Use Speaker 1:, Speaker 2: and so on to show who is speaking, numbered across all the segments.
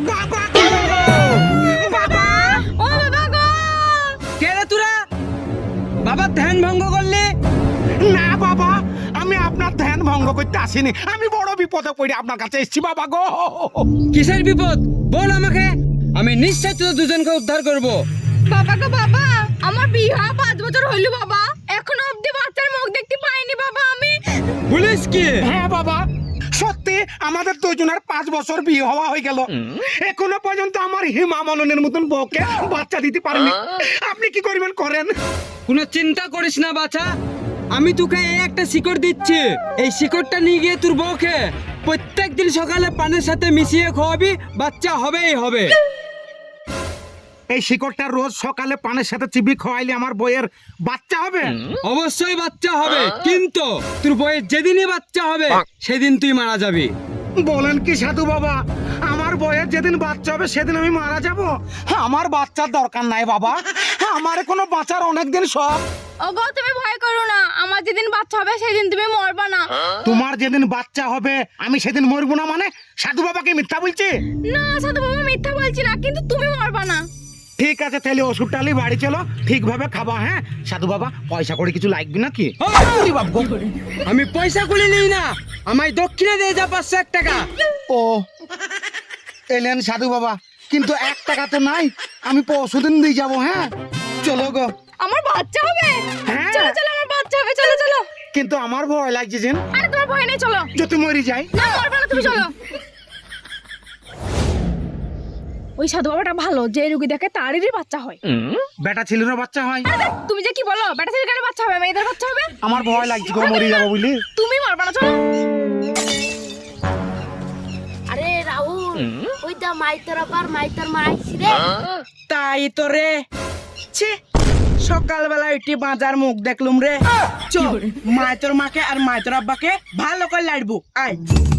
Speaker 1: বাবা গো! বাবা!
Speaker 2: ও বাবা গো!
Speaker 3: কে রে তোরা? বাবার ধ্যান ভঙ্গ করলি?
Speaker 1: না বাবা, আমি আপনার ধ্যান ভঙ্গ করতে আসিনি, আমি বড় বিপদে পড়ে আপনার কাছে এসেছি বাবা গো।
Speaker 3: কিসের বিপদ বল আমাকে, আমি নিশ্চয় তোদের দুজনকে উদ্ধার করব।
Speaker 2: বাবা গো বাবা, আমার বিয়ে হওয়া 5 বছর হইল বাবা, এখনো অবধি বাচ্চার মুখ দেখতে পাইনি বাবা আমি।
Speaker 3: বলিস কি?
Speaker 1: হ্যাঁ বাবা, সত্যি আমাদের দুজনের 5 বছর বিয়ে হওয়া হয়ে গেল, এখনো পর্যন্ত আমার হিমা মননের মতন বউকে বাচ্চা দিতে পারেনি। আপনি কি করবেন করেন।
Speaker 3: কোনো চিন্তা করিস না বাছা, আমি তোকে এই একটা শিকড় দিচ্ছি, এই শিকড়টা নিয়ে গিয়ে তোর বউকে প্রত্যেক দিন সকালে পানের সাথে মিশিয়ে খাওয়াবি, বাচ্চা হবেই হবে।
Speaker 1: এই শিকড়টা রোজ সকালে পানের সাথে চিবি খাওয়াইলে আমার বইয়ের বাচ্চা হবে?
Speaker 3: অবশ্যই বাচ্চা হবে, কিন্তু তোর বউয়ের যেদিনই বাচ্চা হবে সেদিন তুই মারা যাবি।
Speaker 1: বলেন কি সাধু বাবা, আমার বইয়ের যেদিন বাচ্চা হবে সেদিন আমি মারা যাব? আমার বাচ্চার দরকার নাই বাবা, আমার কোনো বাচ্চার অনেকদিন শখ।
Speaker 2: ওগো তুমি ভয় করো না, আমার যেদিন বাচ্চা হবে সেদিন তুমি মরবা না।
Speaker 1: তোমার যেদিন বাচ্চা হবে আমি সেদিন মরবো না মানে? সাধু বাবা কি মিথ্যা বলছে?
Speaker 2: না সাধু বাবা মিথ্যা বলছি না, কিন্তু তুমি মরবা না।
Speaker 1: ঠিক আছে, তাহলে ওষুধটা নিয়ে বাড়ি চলো, ঠিকভাবে খাবা। হ্যাঁ সাধু বাবা, পয়সা করে কিছু লাগবে নাকি? ওরে বাপ গো!
Speaker 3: আমি পয়সা কুলি নিই না, আমায় দক্ষিণে দিয়ে যা 501 টাকা।
Speaker 1: ও এলেন সাধু বাবা, কিন্তু 1 টাকা তো নাই, আমি পরশুদিন দিয়ে যাবো। হ্যাঁ চলো গো।
Speaker 2: আমার বাচ্চা হবে?
Speaker 1: হ্যাঁ।
Speaker 2: চলো চলো আমার বাচ্চা হবে, চলো চলো।
Speaker 1: কিন্তু আমার ভয় লাগছে যে
Speaker 2: আরে তোমার ভয় নেই, চলো।
Speaker 1: যদি মরি যাই।
Speaker 2: না মরবা না, তুমি চলো। ওই সাধু বাবাটা ভালো, যে রুগী দেখে তারই বাচ্চা হয়।
Speaker 1: বেটা ছেলেরও বাচ্চা হয়?
Speaker 2: আরে দেখ, তুমি যে কি বলো, বেটা ছেলের কারণে বাচ্চা হবে, মেয়েদের বাচ্চা হবে?
Speaker 1: আমার ভয় লাগছে গো, মরি যাবো বুঝলি।
Speaker 2: তুমি মরবা না, চলো।
Speaker 4: আরে রাহুল, ওই দা মাইতর আবার মাইতর মাইছি রে।
Speaker 3: তাই তো রে, ছি সকালবেলা উঠি বাজার মুখ দেখলুম রে। চল মায়ের মাকে আর মায়ের আব্বাকে ভালো করে লাড়বো, আয়।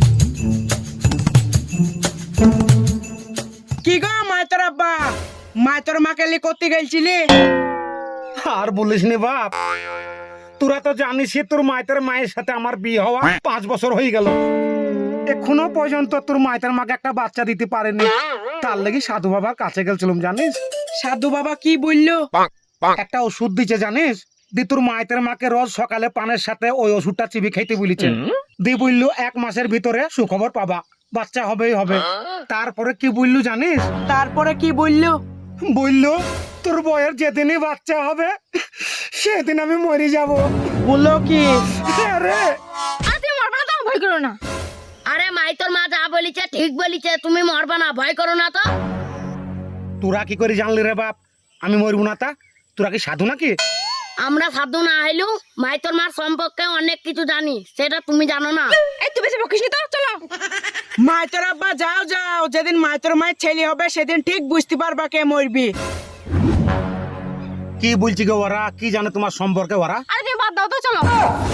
Speaker 3: কি গো মায়ের আব্বা, মায়ের মাকে লি করতে গেছিলি?
Speaker 1: আর বলিস নি বাপ, তোরা তো জানিস তোর মায়ের মায়ের সাথে আমার বিয়ে হওয়া 5 বছর হয়ে গেল, এখনো পর্যন্ত তোর মায়ের মাকে একটা বাচ্চা দিতে পারেনি। তার লাগি সাধু বাবার কাছে গেছিলাম জানিস।
Speaker 3: সাধু বাবা কি বললো?
Speaker 1: একটা ওষুধ দিচ্ছে জানিস, দি তোর মায়ের মাকে রোজ সকালে পানের সাথে ওই ওষুধটা চিবি খাইতে বলেছে। দি বললো 1 মাসের ভিতরে সুখবর পাবা, বাচ্চা হবেই হবে। তারপরে কি বললু জানিস?
Speaker 3: তারপরে কি বললো?
Speaker 1: বললো তোর বয়ের যেদিনই বাচ্চা হবে সেদিন আমি মরে যাব।
Speaker 3: বললো কি?
Speaker 1: আরে
Speaker 2: আরে তুমি মরবা না, তো ভয় করো না।
Speaker 4: আরে মাইতর মা যা বলিছে ঠিক বলিছে, তুমি মরবা না, ভয় করো না তো।
Speaker 1: তোরা কি করে জানলি রে বাপ আমি মরবো না? তা তোরা কি সাধু নাকি?
Speaker 4: আমরা সাধু না হইলেও মাইতর মার সম্পর্কে অনেক কিছু জানি, সেটা তুমি জানো না।
Speaker 2: এই তুই বেশি বকিস নি তো, চলো।
Speaker 3: মায়ের আব্বা যাও যাও, যেদিন মায়ের মায়ের ছেলে হবে সেদিন ঠিক বুঝতে পারবা কে মরবি।
Speaker 1: কি বলছি গো ওরা, কি জানে তোমার সম্পর্কে ওরা?
Speaker 2: আরে তুমি বাদ দাও তো, চলো।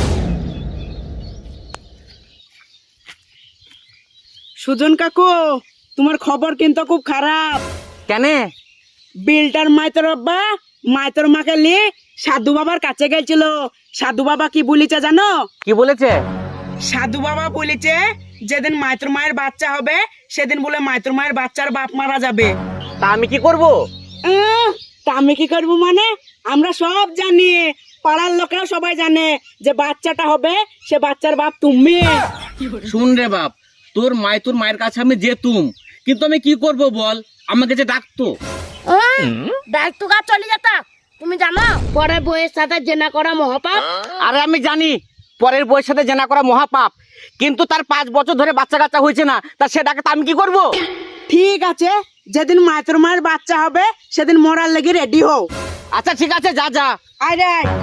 Speaker 3: সুজন কাকু, তোমার খবর কিন্তু খুব খারাপ।
Speaker 5: কেন?
Speaker 3: বিলটার মাইতর আব্বা মাইতর মাকে নিয়ে সাধু বাবার কাছে গেছিল। সাধু বাবা কি বলেছে জানো?
Speaker 5: কি বলেছে?
Speaker 3: সাধু বাবা বলেছে যেদিন মাইতর মায়ের বাচ্চা হবে সেদিন বলে মাইতর মায়ের বাচ্চার বাপ মারা যাবে।
Speaker 5: তা আমি কি করব?
Speaker 3: তা আমি কি করবো মানে? আমরা সব জানি, পাড়ার লোকেও সবাই জানে যে বাচ্চাটা হবে সে বাচ্চার বাপ তুমি।
Speaker 5: শুন রে বাপ, তোর মায়ের কাছে আমি যেতুম, কিন্তু আমি কি করব বল, আমাকে যে ডাকতো।
Speaker 4: দায়িত্ব কাজ চলে যেত, তুমি জানো পরে বইয়ের সাথে জেনা করা মহাপাপ।
Speaker 5: আরে আমি জানি পরের বউয়ের সাথে জেনা করা মহাপাপ, কিন্তু তার 5 বছর ধরে বাচ্চা কাচ্চা হয়েছে না, তা সে ডাকে তা আমি কি করব?
Speaker 3: ঠিক আছে, যেদিন মাইতর মায়ের বাচ্চা হবে সেদিন মরার লেগে রেডি হও।
Speaker 5: আচ্ছা ঠিক আছে, যা যা।
Speaker 3: আয় রে আয়।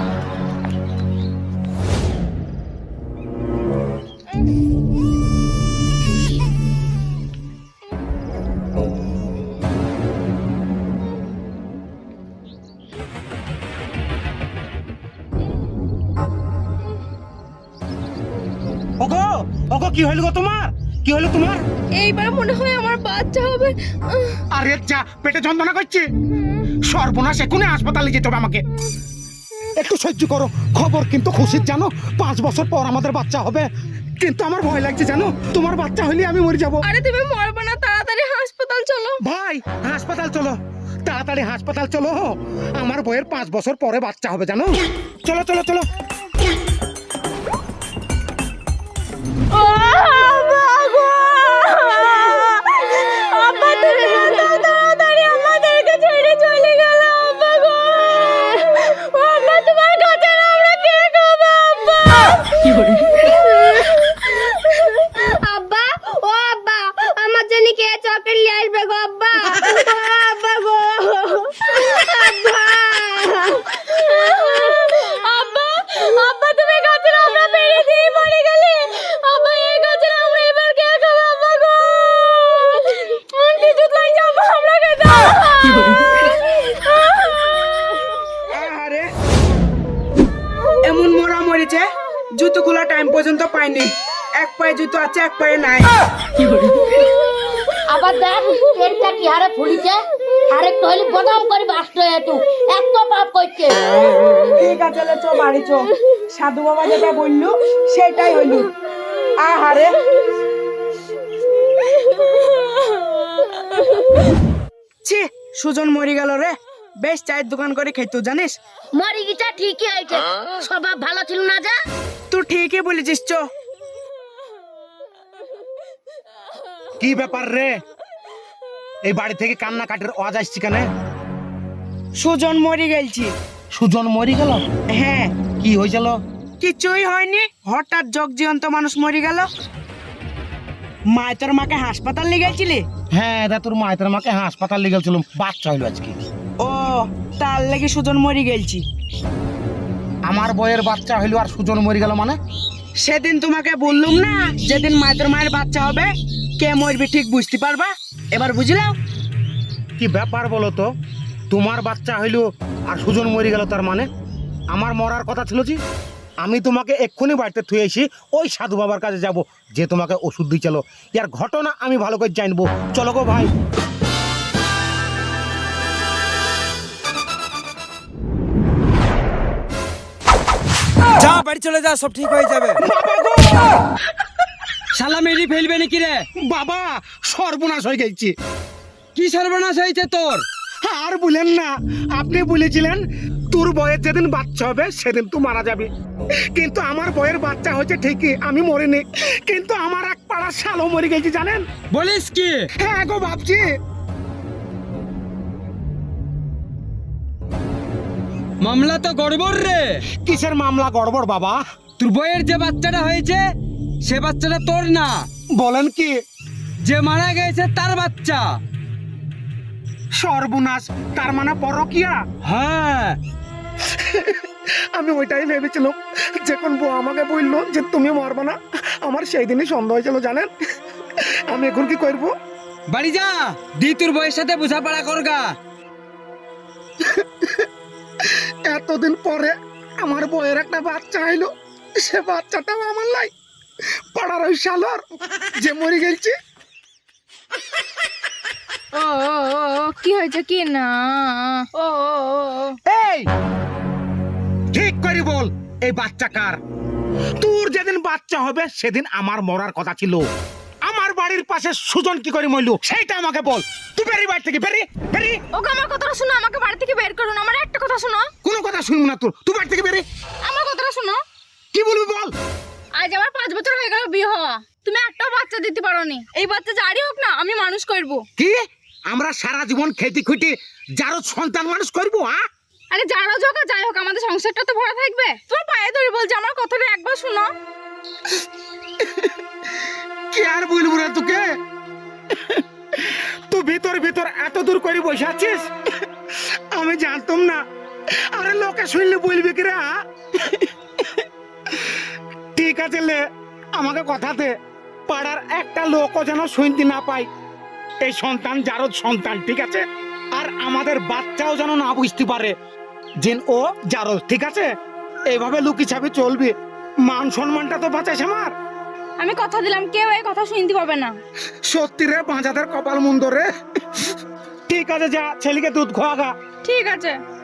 Speaker 1: ওগো ওগো, কি হইল গো তোমার? কি হইল তোমার?
Speaker 2: এইবার মনে হয় আমার বাচ্চা হবে।
Speaker 1: আরে যা, পেটে যন্ত্রণা করছে, সর্বনাশ, এখনই হাসপাতালে যেতে হবে আমাকে। একটু সহ্য করো, খবর কিন্তু খুশির জানো, 5 বছর পর আমাদের বাচ্চা হবে, কিন্তু আমার ভয় লাগছে জানো, তোমার বাচ্চা হইলে আমি মরে যাবো।
Speaker 2: আরে তুমি মরবা না, তাড়াতাড়ি হাসপাতাল হাসপাতাল চলো।
Speaker 1: ভাই হাসপাতাল চলো, তাড়াতাড়ি হাসপাতাল চলো, আমার বইয়ের 5 বছর পরে বাচ্চা হবে জানো। চলো চলো চলো।
Speaker 2: আব্বা তুমি এত তাড়াতাড়ি আমাদেরকে ছেড়ে চলে গেল আব্বা গো। আব্বা তোমার কাছে আমরা কে খাবো আব্বা? আব্বা ও আব্বা আমার জন্য কে চকলেট নিয়ে আসবে গো আব্বা? আব্বা গো আব্বা আব্বা আব্বা তুমি কাছে আমরা বেরিয়ে দিয়ে মরে গেলে আব্বা এই কাছে আমরা এবার কে খাবো আব্বা গো? কিছু তাই যাবো আমরা কে দাও।
Speaker 3: আরে এমন মরা মরেছে, জুতো খোলা টাইম পর্যন্ত পাইনি। এক পায়ে জুতো আছে, এক পায়ে নাই।
Speaker 4: আবার দেখ পেটটা কি হারে ফুলিছে, আরেকটু হলে বদাম করে বাস্ট হয়ে তু এত পাপ করছে।
Speaker 3: ঠিক আছে লে, চো বাড়ি চো। সাধু বাবা যেটা বললু সেটাই হইল। আহারে ছি, সুজন মরি গেল রে। বেশ চায়ের দোকান করে খেতো জানিস।
Speaker 4: মরি গিটা ঠিকই হয়েছে, স্বভাব ভালো ছিল না যা।
Speaker 3: তুই ঠিকই বলেছিস, চো।
Speaker 1: কি ব্যাপার রে, এই বাড়ি থেকে কান্নাকাটির আওয়াজ আসছে কেন?
Speaker 3: সুজন মরি গেলছি।
Speaker 1: সুজন মরি গেল?
Speaker 3: হ্যাঁ।
Speaker 1: কি হয়েছিল?
Speaker 3: কিছুই হয়নি, হঠাৎ জগজিয়ন্ত মানুষ মরে গেল। মায় তোর মাকে হাসপাতাল নিয়ে গেছিলি?
Speaker 1: হ্যাঁ দা, তোর মায়ের মাকে হাসপাতাল নিয়ে গেছিলাম, বাচ্চা হইলো আজকে।
Speaker 3: ও, তার লেগে সুজন মরি গেলছি।
Speaker 1: আমার বইয়ের বাচ্চা হইলো আর সুজন মরি গেল মানে?
Speaker 3: সেদিন তোমাকে বললুম না, যেদিন মায়ের মায়ের বাচ্চা হবে কে মরবে ঠিক বুঝতে পারবা। এবার বুঝলাম।
Speaker 1: কি ব্যাপার বলো তো, তোমার বাচ্চা হইলো আর সুজন মরি গেল, তার মানে আমার মরার কথা ছিল জি। আমি তোমাকে এক্ষুনি বাড়িতে থুয়ে এসি, ওই সাধু বাবার কাছে যাব, যে তোমাকে ওষুধ দিয়ে চলো। ইয়ার ঘটনা আমি ভালো করে জানবো, চলো গো ভাই।
Speaker 6: যা বাড়ি চলে যা, সব ঠিক হয়ে যাবে।
Speaker 3: শালা মেরি ফেলবে নাকি রে?
Speaker 1: বাবা সর্বনাশ হয়ে গেছি।
Speaker 3: কি সর্বনাশ হয়েছে তোর?
Speaker 1: আর বলেন না, আপনি বলেছিলেন তোর বয়ের যেদিন বাচ্চা হবে সেদিন তুই মারা যাবি, কিন্তু আমার বয়ের বাচ্চা হয়েছে ঠিকই, আমি মরিনি, কিন্তু আমার এক পাড়া শালও মরে গেছি জানেন।
Speaker 3: বলিস কি?
Speaker 1: হ্যাঁ গো ভাবছি।
Speaker 3: মামলা তো গড়বড় রে।
Speaker 1: কিসের মামলা গড়বড় বাবা?
Speaker 3: তোর বইয়ের যে বাচ্চাটা হয়েছে সে বাচ্চাটা তোর না,
Speaker 1: বলেন কি?
Speaker 3: যে মারা গেছে তার বাচ্চা।
Speaker 1: সর্বনাশ, তার মানে পরকিয়া?
Speaker 3: হ্যাঁ।
Speaker 1: আমি ওইটাই ভেবেছিলাম, যখন বউ আমাকে বললো যে তুমি মরবে না, আমার সেই দিনই সন্দেহ হয়েছিল জানেন। আমি এখন কি করবো?
Speaker 3: বাড়ি যা, দি তোর বইয়ের সাথে বোঝাপড়া করগা।
Speaker 1: এতদিন পরে আমার বউয়ের একটা বাচ্চা হইলো, সে বাচ্চাটাও আমার লাই, পাড়ার ওই শালার যে মরে গেছে।
Speaker 2: ও কি হয়েছে কি না? ও
Speaker 1: এই ঠিক করে বল, এই বাচ্চা কার? তোর যেদিন বাচ্চা হবে সেদিন আমার মরার কথা ছিল। আমার বাড়ির পাশে সুজন কি করে মরলো সেইটা আমাকে বল। তুই বেরি বাড়ি থেকে বেরি বেরি।
Speaker 2: ওকে আমার কথাটা শোনো, আমাকে বাড়ি থেকে বের করুন। আমার একটা কথা শোনো।
Speaker 1: কোনো কথা শুনবো না তোর, তুই বাড়ি থেকে বেরি।
Speaker 2: আমার কথাটা শোনো।
Speaker 1: কি বলবি বল।
Speaker 2: আজ আমার 5 বছর হয়ে গেল বিয়ে হওয়া, তুমি একটাও বাচ্চা দিতে পারোনি। এই বাচ্চা যারই হোক না আমি মানুষ করব।
Speaker 1: কি আমরা সারা জীবন খেতে খুঁটে যারও সন্তান মানুষ করবো? হ্যাঁ,
Speaker 2: আরে যারা হোক আর যাই হোক আমাদের সংসারটা তো ভরা থাকবে। তোমার পায়ে ধরে বলছি আমার কথাটা একবার শোনো।
Speaker 1: কি আর বলবো রে তোকে? তুই ভিতর ভিতর এত দূর করে বসে আছিস, আমি জানতাম না। আরে লোকে শুনলে বলবি কি রে? ঠিক আছে লে, আমাকে কথাতে পাড়ার একটা লোকও যেন শুনতে না পায় এই সন্তান জারদ সন্তান, ঠিক আছে? আর আমাদের বাচ্চাও যেন না বুঝতে পারে যে ও জারদ, ঠিক আছে? এইভাবে লুকি ছাপি চলবি, মান সম্মানটা তো বাঁচাইছে আমার।
Speaker 2: আমি কথা দিলাম কেউ এই কথা শুনতে পাবে না।
Speaker 1: সত্যি রে, বাঁচাদের কপাল মন্দ রে। ঠিক আছে, যা ছেলেকে দুধ খোয়াগা।
Speaker 2: ঠিক আছে।